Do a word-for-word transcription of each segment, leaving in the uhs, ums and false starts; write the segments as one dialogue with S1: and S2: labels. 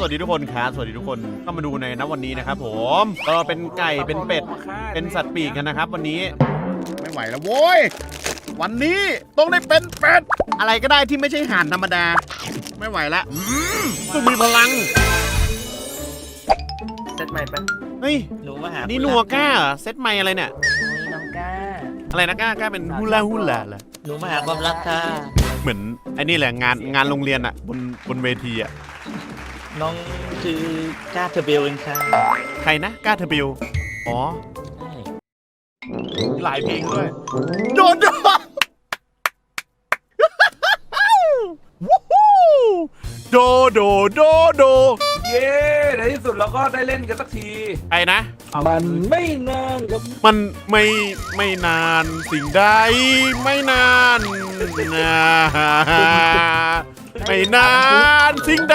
S1: วัสดีทุกคนครับสวัสดีทุกคนก็มาดูในนะวันนี้นะครับผมเออเป็นไก่เป็นเป็ดเป็นสัตว์ปีกกันนะครับวันนี้ไม่ไหวแล้วโว้ยวันนี้ต้องได้เป็นเป็ดอะไรก็ได้ที่ไม่ใช่ห่านธรรมดาไม่ไหวละต้องมีพลัง
S2: เซตใหม่ปะ
S1: เฮ้ย
S2: รู้ว่าหา
S1: นี่นัวก้าเหรอเซตใหม่อะไรเนี่ย
S2: น้องก้า
S1: อะไรนะก้าก้าเป็นฮูลาฮูลาเหรอ
S2: หนูมาหาความรักค่ะ
S1: เหมือนไอ้นี่แหละงานงานโรงเรียนอะบนบนเวทีอะ
S2: น้องคือก้าเทเบลเองค่ะ
S1: ใครนะก้าเทเบลอ๋อหลายเพลงด้วยโดนโดนโดโดโดโด
S3: เย้ในที่สุดเราก็ได้เล่นกันสักที
S1: ใครนะ
S3: มันไม่นานครับ
S1: มันไม่ไม่นานสิ่งใดไม่นานนะไม่นานสิ่งใด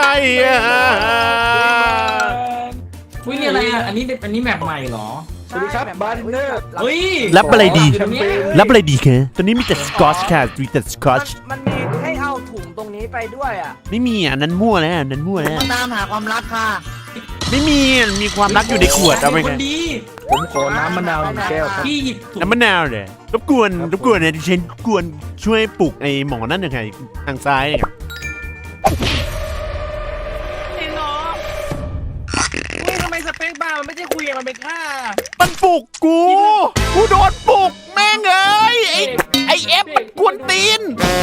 S4: อุ้ยนี่อะไรอ่ะอันนี้อันนี้แมปใหม่เหรอ
S3: สวัสดีครับบาร์เนอร์
S4: เฮ้ย
S1: รับอะไรดีรับอะไรดีคะตอนนี้มีแต่สกอตช์ค่ะมีแต่สกอตช์
S5: มันมีให้เอาถุงตรงนี้ไปด้วยอ่ะ
S1: ไม่มีอ่ะนั้นมั่วแล้วนั้นมั่วแล้ว
S2: ตามหาความรักค่ะ
S1: ไม่มีมีความรักอยู่ในขวดเอาไปไง
S3: ผมขอน้ำมะนาวหนึ่งแก้วครับ
S4: พี่หยิบ
S1: น้ำมะนาวเลยรบกวนรบกวนเนี่ยดิฉันกวนช่วยปลุกไอ้หมอนั่นหน่อยค่ะทางซ้ายเนี่ย
S5: เห็นเหรอคุยทำไมสเปคบ้ามันไม่ใช่คุยมันเป็นค่า
S1: มันปลุกกูกูโดนปลุกแม่งเอ้ยไอ้ไอ้เอฟกวนตีน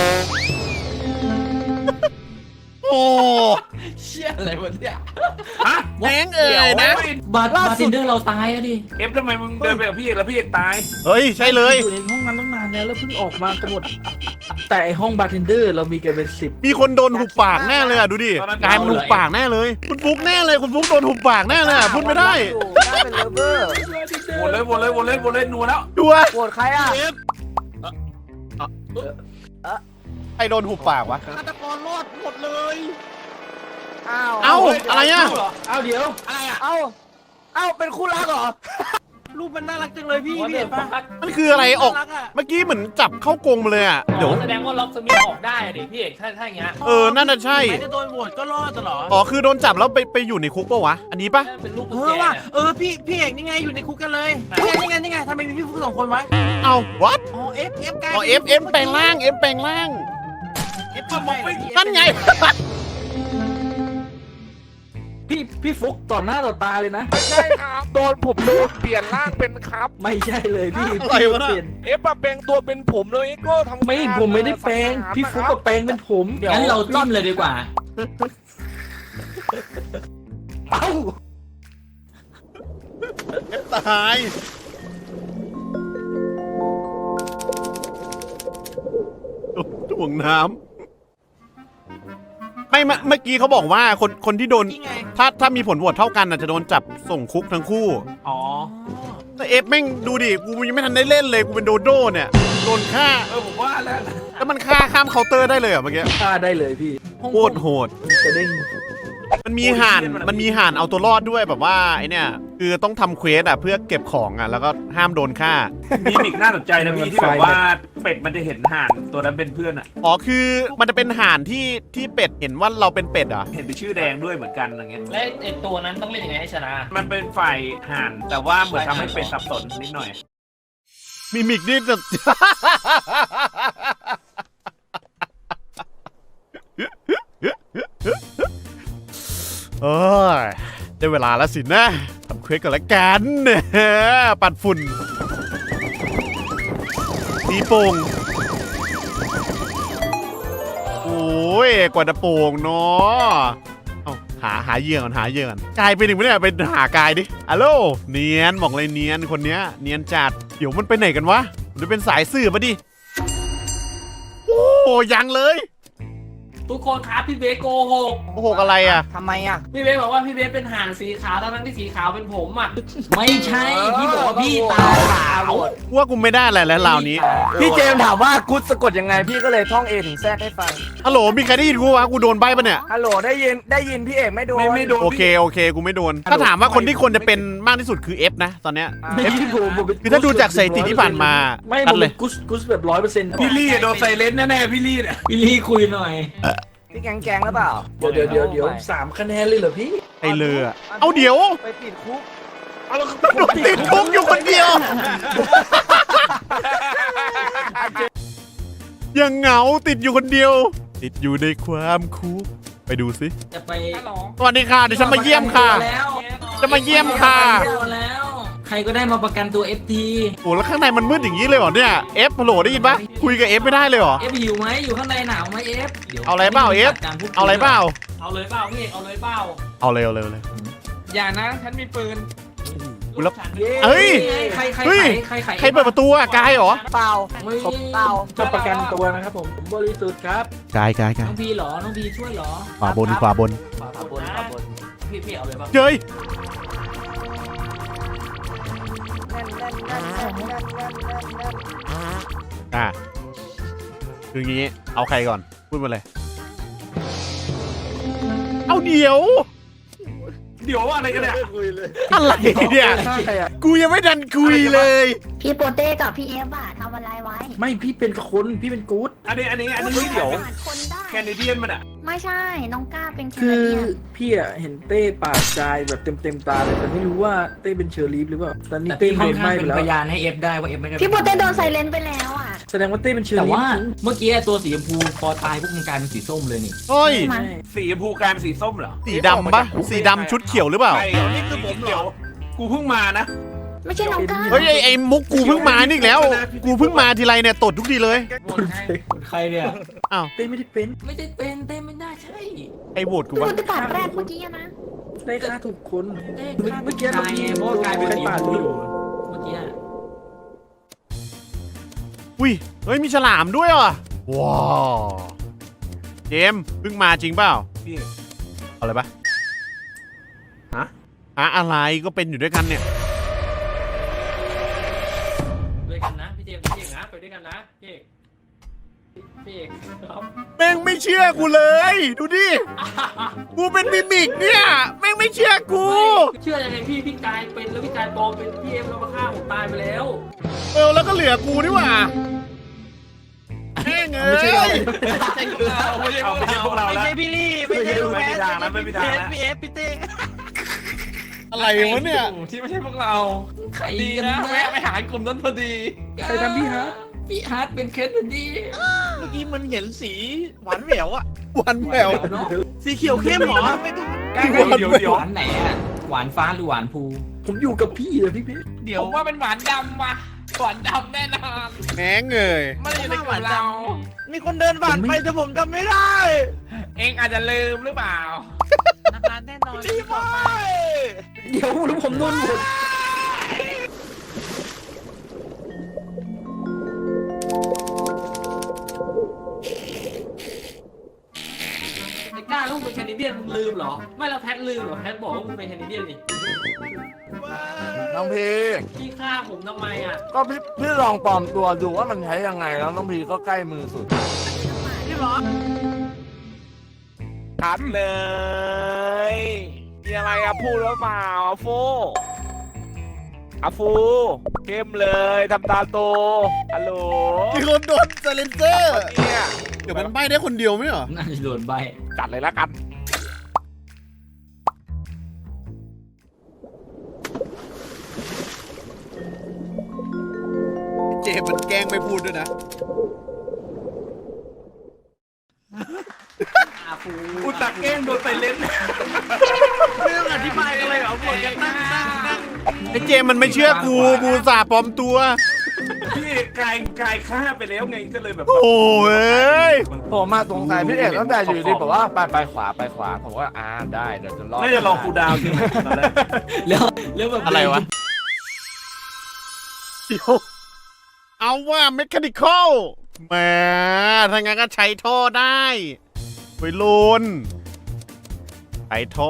S1: โอ้
S4: เชี่ยอะไรวะเนี่ย
S1: ฮะแม่งเอ๋ยนะ
S4: บาร์บาร์เทนเดอร์เราตายอะดิ
S3: เอฟทำไมมึงเดินไปกับพี่เอกแล้วพี่เอกตาย
S1: เฮ้ยใช่เลย
S3: อยู่ในห้องนั้นตั้งนานแล้วแล้วเพิ่งออกมากันหมดแต่ห้องบาร์เทนเดอร์เรามีกันเป็นสิบ
S1: มีคนโดนหุบปากแน่เลยอ่ะดูดิกายมันหุบปากแน่เลยคุณฟุ๊กแน่เลยคุณฟุ๊กโดนหุบปากแน่เลยพูดไม่ได้
S5: เป็นเลเวอร์
S3: โหวตเลยโหวตเลยโหวตเลยโหวตเลยนัวแล้ว
S1: ดัว
S5: โหวตใครอ่ะ
S1: ใครโดนหุบปากวะ
S5: ฆาตกรรอดหมดเลยอ้าว
S1: เอ้าอะไรอ่ะ
S3: เอ้าเดี๋ยว
S5: อะไรอ่ะเอ้าเอ้าเป็นคู่รักเหรอรูปมันน่ารักจังเลยพี่พี่เห็นปะ
S1: มันคืออะไรออกเมื่อกี้เหมือนจับเข้ากรงมาเลยอ่ะ
S4: เดี๋ยวแสดงว่าล็อกสมิธออกได้ดิพี่เอกถ้าถ้าอย่างเงี้ย
S1: เออนั่นน่ะใช่
S5: ไม่ได้โดนโหวตก็รอดตลอด
S1: อ๋อคือโดนจับแล้วไปไปอยู่ในคุกปะวะอันนี้ปะ
S5: เออว่ะเออพี่พี่เอกนี่ไงอยู่ในคุกกันเลยนี่ไงนี่ไงทำไมมีพี่ฟุ๊กสองคนวะ
S1: เอ้า what
S5: อ๋อเอฟเอฟกลาย
S1: อ๋อเอฟเอฟแปลงร่างเอฟแปลงร่าง
S5: เอฟทำไม
S1: นั่นไง
S3: พี่พี่ฟุกต่อหน้าต่อตาเลยนะ
S5: ใช่ครับโดนผมโดนเปลี่ยนร่างเป็นครับ
S3: ไม่ใช่เลยพี่
S1: อะไรวะเปลี่ยน
S5: เอฟมาแปลงตัวเป็นผมเลยก็ทำ
S3: ไม่ผมไม่ได้แปลงพี่ฟุกก็แปลงเป็นผม
S4: งั้นเราจิ้มเลยดีกว่า
S3: เอ้า
S1: เอฟตายถ่วงน้ำไม่เมื่อกี้เขาบอกว่าคนคนที่โดนถ้าถ้ามีผลโหวตเท่ากันจะโดนจับส่งคุกทั้งคู่
S5: อ๋อ
S1: แต่เอฟแม่งดูดิกูยังไม่ทันได้เล่นเลยกูเป็นโดโด้เนี่ยโดนฆ่า
S3: เออผมว่าแล้ว
S1: แล้วมันฆ่าข้ามเคาน์เตอร์ได้เลยเหรอเมื่อกี้
S3: ฆ่าได้เลยพี่
S1: โคตรโหด
S3: จะเด้ง
S1: มันมีห่านมันมีห่านเอาตัวรอดด้วยแบบว่าไอเนี่ยคือต้องทำเควสอ่ะเพื่อเก็บของอ่ะแล้วก็ห้ามโดนฆ่า
S3: มีอีกน่าสนใจนะพี่ที่แบบว่าเป็ดมันจะเห็นห่านตัวนั้นเป็นเพื่อนอ่ะ
S1: อ๋อคือมันจะเป็นห่านที่ที่เป็ดเห็นว่าเราเป็นเป็ดอ่ะ
S3: เห็นเป็นชื่อแดงด้วยเหมือนกันอะไรเงี้ย
S4: และไอตัวนั้นต้องเล่นยังไงให้ชนะ
S3: มันเป็นฝ่ายห่านแต่ว่าเหมือนทำให้เป็ดสับสนนิดหน่อย
S1: มิมิกนี่จะเออได้เวลาแล้วสินะทำเควสกันละกันปัดฝุ่นตีโป่งโอ้ยกว่าจะโป่งเนาะเอาหาหาเหยื่อก่อนหาเหยื่อก่อนกายไปหนึ่งไม่ได้ไปหากายดิฮัลโหลเนียนบอกเลยเนียนคนเนี้ยเนียนจัดเดี๋ยวมันไปไหนกันวะมันเป็นสายสื่อมาดิโอ้ยังเลย
S4: ทุกคนครับพี่เบสโกหก
S1: โกหกอะไรอ่ะ
S5: ทำไมอ่ะ
S4: พี่เบสบอกว่าพี่เบสเป็นห่านสีขาวทั้งที่สีขาวเป็นผมอ่ะไม่ใช่พี่บอกว่าพี่ตาขาว
S1: ว่ากูไม่ได้อะไรแล้วเหล่านี้
S5: พี่เจมถามว่ากูสะกดยังไงพี่ก็เลยท่องเอถึงแทรกให้ฟัง
S1: ฮัลโหลมีใครได้ยินกูวะกูโดนใบปะเนี่ย
S5: ฮัลโหลได้ยินได้ยินพี่เอกไม่โดน
S3: ไม่โดน
S1: โอเคโอเคกูไม่โดนถ้าถามว่าคนที่ควรจะเป็นมากที่สุดคือ F นะตอนเนี้ย F คือถ้าดูจากสถิติที่ผ่านมา
S3: ไม่เลยกุสกุสแบบร้อยเปอร์เซ็นต์พี่ลี่โดนไซเลนแน่ๆพี่ลี่เนี่ย
S4: พี่ลี่คุยหน่อย
S5: พี่แกงแกงหรือเปล่า
S3: เดี๋ยวเดี๋ยวเดี๋ยวเดี๋ยวสามคะแนนเลยเหรอพี่
S1: ไอเลออะเอาเดี๋ยว
S5: ไปติดคุก
S3: เอาแล้ว
S1: ติดคุกอยู่คนเดียว ยังเหงาติดอยู่คนเดียว ติดอยู่ในความคุกไปดูสิ
S4: จะไป
S1: สวัสดีค่ะเดี๋ยวฉันมาเยี่ยมค่ะ
S4: แล้ว
S1: จะมาเยี่ยมค่ะ
S4: แล้ว ใครก็ได้มาประกันตัว เอฟ ที
S1: โอ้แล้วข้างในมันมืดอย่างนี้เลยเหรอเนี่ยเอฟฮัลโหลได้ยินปะคุยกับเอฟไม่ได้เลยเหรอ
S4: เอฟหิวไหมอยู่ข้างในหนาวไหมเอฟดี๋ยว
S1: เอาอะไรเปล่า F เอาอะไรเปล่า
S4: เอาเลยเปล่าพี่เอาเลยเปล่า
S1: เอาเร็วเร็วเลย
S5: อย่านะฉันมีปืน
S1: แล้ว
S4: ฉัน
S1: เฮ้ย
S4: ใครใคร
S1: เฮ้ย
S4: ใครใคร
S1: ใครเปิดประตูอะกายเหรอ
S5: เปล่า
S4: ไม่
S5: เปล่า
S3: จะประกันตัวนะครับผมผมบริสุทธิ์ครับ
S1: กายกายกาย
S4: น้องพีเหรอน้องพีช่วยเหรอ
S1: ขวาบนขวาบน
S5: ขวาบนขวาบน
S4: พี่พี่เอาเลยเปล่า
S1: เฮ้ยอ่ะคืองี้เอาใครก่อนพูดมาเลย เอาเดี๋ยว
S3: เดี๋ยวอะไรกันเนี่ย
S1: อะไรเนี่ย
S3: ใครอะ
S1: กูยังไม่ดันคุยเลย
S6: พี่โปเต้กับพี่เอฟอะทำอะไรไว้
S3: ไม่พี่เป็นคนพี่เป็นกู๊ด
S5: อันนี้อันนี้อันนี้เดี๋ยว
S6: ผ่านคนได้
S5: แคนาเดียนมันอ่ะ
S6: ไม่ใช่ น้องก้าเป็นแค
S3: คื
S6: นา
S3: อ
S6: เดียน
S3: พี่อะเห็นเต้ปาดกายแบบเต็มเต็มๆตาเลยแต่ไม่รู้ว่าเต้เป็นเชอร์ลีฟหรือเปล่าตอนนี้
S4: แต่
S3: เต้
S4: พี่ค่
S3: โด
S4: อน
S3: น
S4: ข้า
S3: ไหม้
S4: ง
S3: ไป
S4: เป็น
S3: แล้ว
S4: พยานให้เอฟได้ว่าเอฟไม่ได้
S6: พี่โปเต้โดนไซเลนไปแล้วอะ
S3: แสดงว่าเต้เป็นเชอ
S4: แต่
S3: ร์ลีฟ
S4: ว่าเมื่อกี้ตัวสีชมพูพอตายพวกมึงกลายเป็นสีส้มเลยนี่
S1: เฮ้ย
S6: มา
S5: สีชมพูกลายเป็นสีส้มเหรอ
S1: สีดำปะสีดำชุดเขียวหรือเปล่า
S5: ใช่นี่คือผมเหรอกูเพิ่งมานะ
S6: ไม่ใช่น้องก้า
S1: เฮ้ยไอ้ไอ้มุกกูเพิ่งมานี่อีกแล้ว กูเพิ่งมาทีไรเนี่ยตดทุกทีเลย
S4: โหวตให้ใครเนี่ย
S1: อ้าว
S3: เต้ไม่ได้เป็น
S4: ไม่ได้เป็นเต้ไม่น่าใช่
S1: ไอ้โหวตกู
S6: พี่โป
S1: วะ
S6: เต้ปาดแรกเมื่อกี้อะนะ
S3: เต้ฆ่าถูกคน
S4: เต้
S3: เมื่อ
S4: ฆ่า
S3: เมื่อกี้
S4: กายไงเพราะว่ากลายเป็นสีชมพูอยู่เมื่อกี้
S1: อุ้ยเฮ้ยมีฉลามด้วยว่ะว้าวเจมส์เพิ่งมาจริงเปล่า
S5: พี่
S1: เอาอะไรปะ
S5: ฮะ
S1: หาอะไรก็เป็นอยู่ด้วยกันเนี่ย
S4: ด้วยกันนะพี่เจมส์พี่เอกนะไปด้วยกันนะพี่เอกพี่เอกครับ
S1: แม่งไม่เชื่อกูเลย ดูดิ กูเป็นมิมิกเนี่ย แม่งไม่เชื่อกู
S4: เชื่อยังไงพี่พี่กายเป็นแล้วพี่กายปลอมเป็นพี่เอฟแล้วมาฆ่าผมตายไปแล้ว
S1: เออแล้วก็เหลือกูนี่หว่าแม่งเอ้
S3: ไม่ใช่เรา
S1: ย
S5: ไม่ใช่ไม่ใช่พวกเราแล้ว
S7: ไม่ใช่พี่ลี่ไม่ใช่
S5: ไม่มีทางแล้วไม่มีทางแล้ว
S7: พี่เอฟพี่เต้
S1: อะไรวะเนี่ย
S7: ที่ไม่ใช่พวกเรา
S4: ใคร
S7: ดี
S4: กัน
S7: นะ
S4: นะ
S7: แวะไปหากลุ่มนั้นพอดี
S3: ใครทำพี่ฮะ
S4: พี่ฮาร์ดเป็นเคสพอดี
S7: เมื่อกี้มันเห็นสีหวานแหววอะ
S1: วันแหวว
S7: สีเขียวเข้มเหรอไม่ถูก
S5: เดี๋ยวเดี๋ยว
S4: หวานไหนอะหวานฟ้าหรือหวานภู
S3: ผมอยู่กับพี่เลยพี่เพชร
S7: เดี๋ยวผมว่าเป็นหวานดำว่ะหวานดำแน่นอน
S1: แม่งเอ้ย
S7: ไม่ได้อยู่ในกลุ่มเรา มีคนเดินผ่านไปแต่ผมจำไม่ได้ เองอาจจะลืมหรือเปล่านานแน่นอนพี่บอย
S3: เดี๋ยวแล้วผมโดนหมด
S4: ไอ้กล้าลูกเป็นแคนาเดียนมึงลืมเหรอไม่เราแพทลืมเหรอแพทบอกว่ามึงเป็นแคนาเดียนนี่
S8: น้องพี
S4: พี่ฆ่าผมทำไมอะ
S8: ก็พี่พี่ลองปลอมตัวดูว่ามันใช้ยังไงแล้วน้องพีก็ใกล้มือสุด
S7: พี่บอย
S5: ชัดเลยมีอะไรอะพูดหรือเปล่าอะฟูอะฟูเข้มเลยทำตาโตฮัลโหล
S1: มีคนโดนไซเลนเซอร์
S5: เนี่ย
S1: เดี๋ยวมันใบได้คนเดียวไหมเหรอ
S4: น่าจะโดนใบ
S5: จัดเลยละกัน
S1: เจมส์มันแกล้งไม่พูดด้วยนะ
S4: อาฟู
S5: อุตตะเก้งโดนไปเล่น
S7: ไม่ต้องอธิบายอะไรเหรอปวดกันนั่งนั่งนั่ง
S1: ไอ้เจมส์มันไม่เชื่อกู กูอุตสาห์ปลอมตัว
S5: พี่กายกายฆ่าไปแล้วไงก็เลยแบบ
S1: โอ้ย
S8: ผมมาสงสัยพี่เอกตั้งแต่อยู่ดีบอกว่าไปไปขวาไปขวาผมว่าอ่าได้เดี๋ยวจะรอด
S5: น่าจะลองคูลดาวน์ใช่ไหมตอนแรก
S4: แล้วแล้วแบบ
S1: อะไรวะ เดี๋ยว เอาว่าเมคานิคอลแหมถ้างั้นก็ใช้ท่อได้ไปลุนใช้ท่อ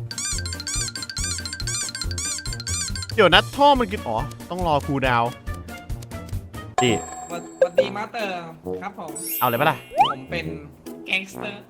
S1: เดี๋ยวนะท่อมันกินอ๋อ ต้องรอคูลดาวน์ดิ
S7: สวัสดีมาสเตอร์ครับผม
S1: เอาเลยปะล่ะ
S7: ผมเป็นแก๊งสเตอร์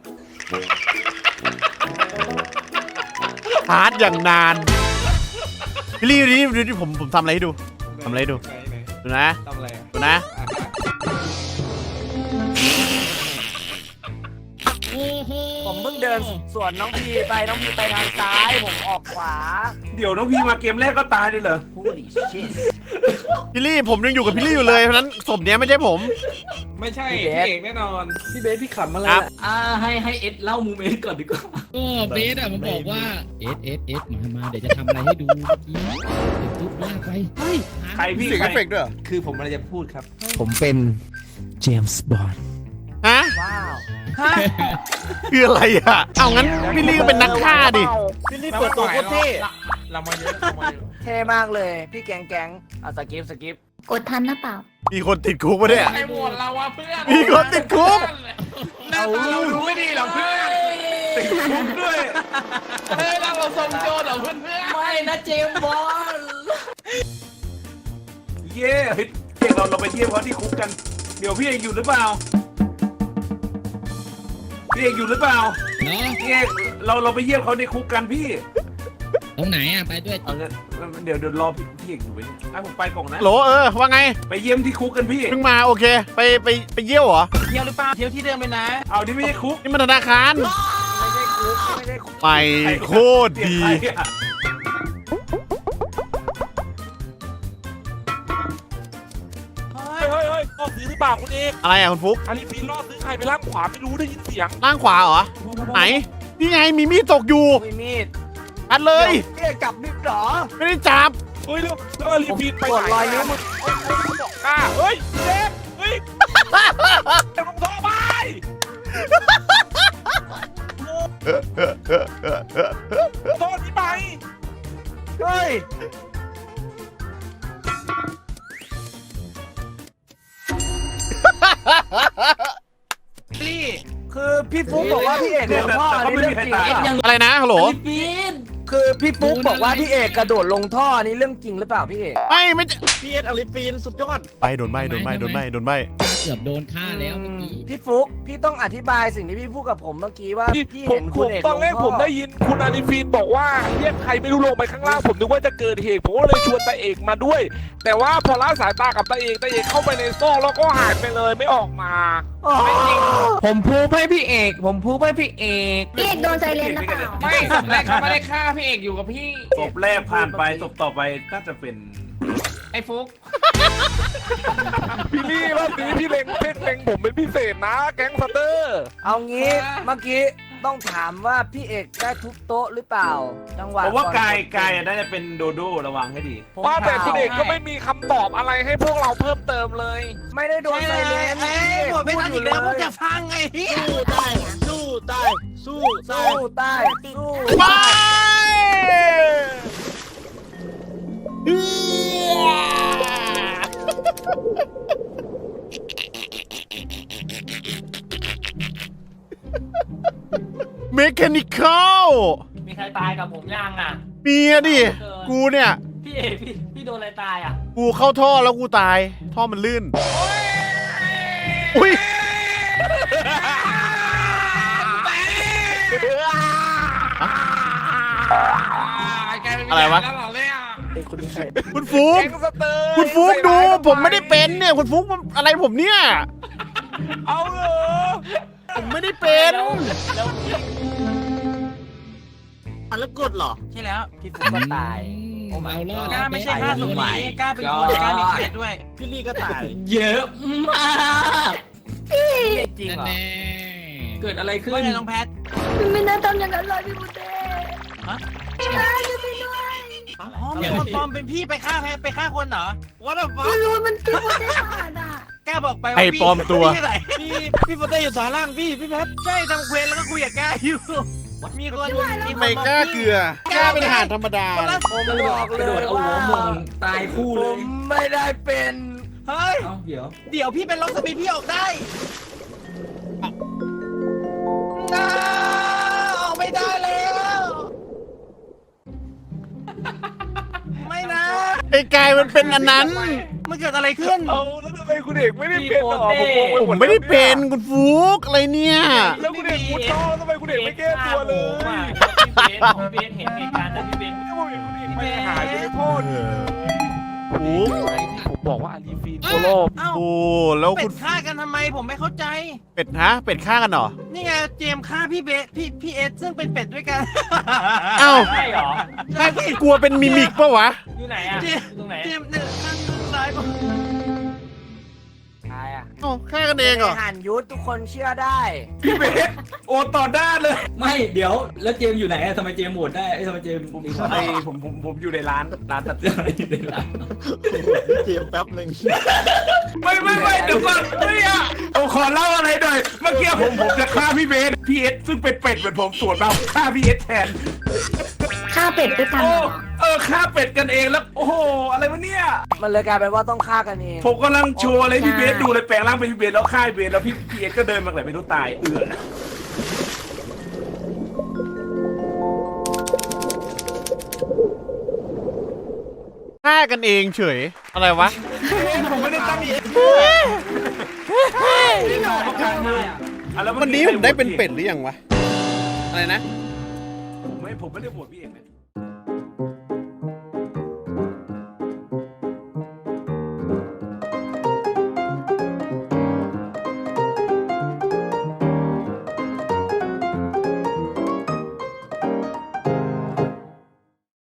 S1: ฮาร์ดอย่างนานพี่ลี่ดูดิดูดิผมผมทำอะไรให้ดู ทำอะไรให้ดู
S7: ไหนไหน
S1: ดูนะ
S7: ทำอะไรอ่ะ
S1: ดูนะ
S7: อ่ะฮะ
S6: เฮ้เฮ้
S8: เพิ่งเดินสวนน้องพีไปน้องพีไปทางซ้ายผมออกขวา
S7: เดี๋ยวน้องพี่มาเกมแรกก็ตายเลยเหรอ
S8: Holy shit
S1: พี่ลี่ผมยังอยู่กับพี่ลี่อยู่เลยเพราะฉะนั้นศพเนี้ยไม่ใช่ผม
S7: ไม่ใช่
S8: พี่
S7: พี่
S8: เบส
S7: เอกแน่นอน
S3: พี่เบสพี่ขำอะไร
S1: ครับ
S3: ล่ะ
S4: อ่าให้ให้เอ็ดเล่าโมเมนต์ก่อนดีกว่า
S9: ก็เบสอะมันบอกว่าเอสเอสเอสมามาเดี๋ยวจะทำอะไรให้ดูเมื่อกี้เดี๋ยวตุ๊บลากไปเฮ้ย
S7: ใครพี่
S1: เสียง
S7: ใค
S1: เอ
S7: ร
S1: ฟเฟกต์ด้วยเหรอ
S2: คือผมอะไรจะพูดครับ
S8: ผมเป็นเจมส์บอนด์
S1: ฮะ
S8: ว้าว
S1: คืออะไรอ่ะเอางั้นพี่ลี่ก็เป็นนักฆ่าดิ
S8: พี่ลี่เปิดตัวโคตรเท่
S7: เรามาเยอะเรามาเยอะ
S8: เท่มากเลย พี่แกงแกงเอาสกิปสกิป
S6: กดทันนะเปล่า
S1: มีคนติดคุกปะเนี่ย
S7: ใครโหวตเราวะเพื่อน
S1: มีคนติดคุก
S7: หน้าตาเราดูไม่ดีหรอเพื่อนติดคุกด้วยเฮ้ยเราเราทรงโจรเหรอเพื่อนเพื่อน
S4: ไม่นะเจมส์บอล
S7: เย่เฮ้ยเอกเราเราไปเที่ยวเขาที่คุกกัน เดี๋ยวพี่เอกอยู่หรือเปล่าพี่เอกอยู่หรือเปล่า
S9: เนาะ
S7: พี่เอกเราเราไปเยี่ยมเขาในคุกกันพี่
S9: ตรงไหนอะไปด้วย
S7: เอางั้นเดี๋ยวเดี๋ยวรอพี่พี่เอกอยู่ไว้นี่ให้ผมไปก่อนนะ
S1: โหลเออว่าไง
S7: ไปเยี่ยมที่คุกกันพี่
S1: เพิ่งมาโอเค ไปไปไปเยี่ยวเหรอ
S7: เที่ยวหรือเปล่าเที่ยวที่เดิมเลยนะ เอาที่ไม่ใช่คุก
S1: นี่มันธนาคาร
S8: ไม่ได้คุกไม่ได้คุก
S1: ไปโคตรดี
S7: ใครอะ
S5: เฮ้ยเฮ้ยเฮ้ยล่อซื้อหรือเปล่าคุณเอก
S1: อะไรอ่ะคุณฟุก
S5: อาลีฟีนล่อซื้อใครไปล่างขวาไม่รู้ได้ยินเสียง
S1: ล่างขวาเหรอไหนนี่ไงมีมีดตกอยู่
S8: มีมีด
S1: อัดเลย
S8: พี่เอกกลับนิดเหรอ
S1: ไม่ได้จับ
S5: เฮ้ยแล้วแล้วอาลีฟีนไป
S8: กด
S5: ไหน
S8: รอยนิ้วมือ
S5: เฮ้ยเฮ้ยบอกกล้าเฮ้ยเจ็บเฮ้ยเจ็บลงท้องไป โทษนี่ไป
S8: เฮ้ย
S7: พี่
S8: คือพี่ฟุ๊กบอกว่าพี่เอกลงท่ออันนี้เรื่องจริงหรือเปล่า
S1: อะไรนะฮัลโหล
S4: ปีน
S8: คือพี่ฟุ๊กบอกว่าพี่เอกกระโดดลงท่ออันนี้เรื่องจริงหรือเปล่าพี่เอก
S1: ไม่ไม่จะ
S7: พี่เอ็ดอลิฟีนสุดยอด
S1: ไปโดนใบโดนใบโดนใบโดนใบ
S9: เกือบโดนฆ่าแล้วเมื่อกี้
S8: พี่ฟุ๊กพี่ต้องอธิบายสิ่งที่พี่พูดกับผมเมื่อกี้ว่า
S5: พี่
S8: พี่
S5: ผ
S8: เห็
S5: ม
S8: น
S5: ผ
S8: คุณ
S5: ม
S8: เอก
S5: ตอนแรก
S8: ลงท่
S5: ผมได้ยินคุณอาลีฟีนบอกว่าเรียกใครไม่รู้ลงไปข้างล่างผมนึกว่าจะเกิดเหตุผมก็เลยชวนตาเอกมาด้วย แต่ว่าพอละสายตากับตาเอกตาเอกเข้าไปในซอกแล้วก็หายไปเลยไม่ออกมา
S8: อ๋อ
S2: ผมพูดให้พี่เอก ผมพูดให้พี่เอก
S6: พี่เอกโดนไซเลนนะเปล่า
S7: ไม่ศพแรกเขาไม่ได้ฆ่าพี่เอกอยู่กับพี่ศพแรกผ่านไปศพต่อไปก็จะเป็นไอ้ฟุก
S5: พี่ลี่รอบนี้พี่เล็งเพ่งเล็งผมเป็นพิเศษนะแก๊งสเตอร์
S8: เอางี้เมื่อกี้ต้องถามว่าพี่เอกได้ทุบโต๊ะหรือเปล่า จังหวะ
S7: ผมว่า
S8: ก่อน
S7: กายกายน่าจะเป็นโดโด้ระวังให้ดี
S8: ผม
S5: ว่าแต่
S8: ถาม
S5: คุณเอกก็ไม่มีคำตอบอะไรให้พวกเราเพิ่มเติมเลย
S8: ไม่ได้โดนไซเลนพี่เอกพูดอยู่เลย
S7: ฟังไงพี่
S8: สู้ใต้สู้ใต้สู้ใต้สู้
S1: ไปเมคานิคอล
S4: มีใครตายกับผมยังอ่ะ
S1: มีอะดิ กูเนี่ย
S4: พี่เอกพี่พี่โดนอะไรตายอ่ะ
S1: กูเข้าท่อแล้วกูตาย ท่อมันลื่น อุ้ย อะไรวะ คุณฟุก
S5: แก๊งสเตอร์
S1: คุณฟุกดู ผมไม่ได้เป็นเนี่ย คุณฟุกมันอะไรผมเนี่ย
S5: เอาเหรอ
S1: ผมไม่ได้เป็น
S4: แล้วพี่
S2: แล้วกดเหรอ ใช่แล้ว
S8: พี่ฟุ๊กก็ตาย
S9: เอารอด
S2: กล้าไม่ใช่ฆ่าสมหมายกล้าเป็นคนกล้ามีเขตด้วย พี่ลี่ก็ตาย
S4: เยอะมาก
S8: พี่เอกจริงเหรอ
S9: แน่
S4: เกิดอะไรขึ้น
S2: ว่าไงน้องแพท
S6: พี่ไม่น่าทำอย่างนั้นเลยพี่บุเต้
S2: ฮะ
S6: ไม่ได้ช่วยพี่ด้วย
S2: อ๋อมีคนปลอมเป็นพี่ไปฆ่าแพทไปฆ่าคนเหรอว่าแต่ฟ้า
S6: ไม่รู้มันพี่บุเต้ผ่านอ่ะ
S2: กล้าบอกไปว่า
S1: ไอ้
S2: พี่
S1: ปลอมตัว
S2: พี่ไหนพี่พี่โปเต้อยู่สาล่างพี่พี่แพทใช่ทำเควสแล้วก็คุยกับกล้าอยู่มีคนมีคน
S1: ไม่กล้าเกลือ กล้าเป็นทหารธรรมดา
S8: ผมบอก
S4: ก
S8: เล
S4: ระโดด
S8: ย
S4: เอา
S8: ว่า
S4: หัวมงตายคู่
S8: ผ
S4: เลย
S8: มไม่ได้เป็น
S2: เฮ้ย
S4: เอ้าเดี๋ยว
S2: เดี๋ยวพี่เป็นล็อกสปีดพี่ออกได้น้าออกไม่ได้แล้ว ไม่นะ
S1: ไอ้กายมันเป็นอันนั้น
S2: มันเกิดอะไรขึ้น
S5: เอาแล้วทำไมคุณเอกไม่ได้เป็นหรอผมงงไปห
S1: ผม มไม่ได้เป็นคุณฟุกอะไรเนี่ย
S5: แล้วคุณเอกมุดท่อทำไมคุณเอกไม่แก้ตัวเลย
S4: พี่เบสพี่เบสเห็นเหตุการณ์นั้นพี่เบส
S5: ไม่ผมเห็นคุณเอกไปหายไปในท่อนี่
S1: ฟุก
S5: ผมบอกว่าอาลีฟีนโคโลบ
S7: เอ้า
S1: โอ้แล้ว
S7: เป็
S1: คุ
S7: ด
S1: ณ
S7: ฆ่ากันทำไมผมไม่เข้าใจ
S1: เป็ดฮะเป็ดฆ่ากันเหรอ
S7: นี่ไงเจมส์ฆ่าพี่เบสพี่พี่เอสซึ่งเป็นเป็ดด้วยกัน
S1: เอ้า
S4: ใช่เหรอ
S7: ใช่พี่
S1: กลัวเป็นมิมิกปะวะ
S4: อยู่ไหนอ่ะ
S7: เจ
S4: อ
S7: มส์
S4: ยู่ตรงไหน
S7: เจมส์เนี่ยข้างซ้ายผม
S8: ใช่อะ
S1: เอ้าฆ่ากันเองเหรอ
S8: หันยุทธทุกคนเชื่อได้
S5: พี่เบสโอนต่อด้านเลย
S9: ไม่เดี๋ยวแล้วเจมส์อยู่ไหนอะทำไมเจมส์โหวตได้เอ้ยทำไมเจมส์มีความ
S5: ไอผมผมผมอยู่ในร้านร้านตัด
S9: อยู่ในร้าน
S2: เจมแป๊บหนึ่ง
S5: ไม่ไม่ไม่เดี๋ยวก่อนไม่อะผมขอเล่าอะไรหน่อยเมื่อกี้ผมผมจะฆ่าพี่เบสพี่เอสซึ่งเป็นเป็ดเหมือนผมสวนมาฆ่าพี่เอสแทน
S6: ฆ่าเป็ดด้วยกัน
S5: โอ้
S6: เหรอ
S5: เออฆ่าเป็ดกันเองแล้วโอ้โหอะไรวะเนี่ย
S8: มันเลยกลายเป็นว่าต้องฆ่ากันเอง
S5: ผมกำลังโชว์อะไรพี่เบสดูเลยแปลงร่างเป็นพี่เบสแล้วฆ่าพี่เบสแล้วพี่พี่เอสก็เดินมาไหนไม่รู้ตายเอือ
S1: ฆ่ากันเองเฉยอะไรวะ
S5: ผมไม่ได้ตั้งเอง อ่ะแล้ว
S1: วันนี้ผมได้เป็นเป็ดหรือยังวะอะไรนะ
S5: ผมไม่ผมไม่ได้โหวตพี่เอกเลย